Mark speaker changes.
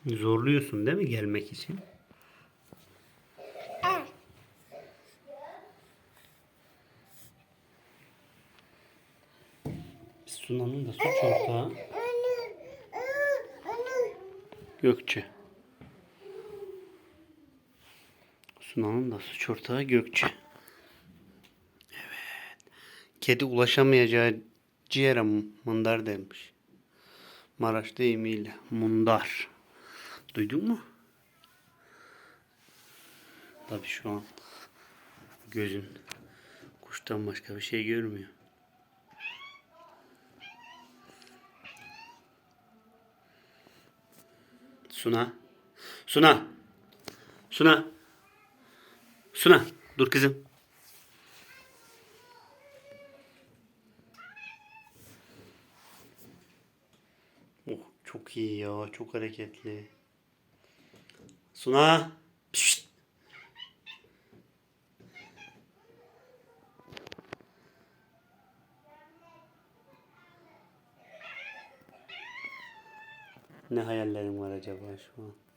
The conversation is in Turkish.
Speaker 1: Zorluyorsun değil mi gelmek için? Sunan'ın da suç ortağı Gökçe. Sunan'ın da suç ortağı Gökçe. Evet. Kedi ulaşamayacağı ciğere mındar demiş. Maraş deyimiyle mundar. Duydun mu? Tabii şu an gözün kuştan başka bir şey görmüyor. Suna. Suna. Suna. Suna. Dur kızım. Oh, çok iyi ya. Çok hareketli. Suna. Pişt. Ne hayallerim var acaba şu an?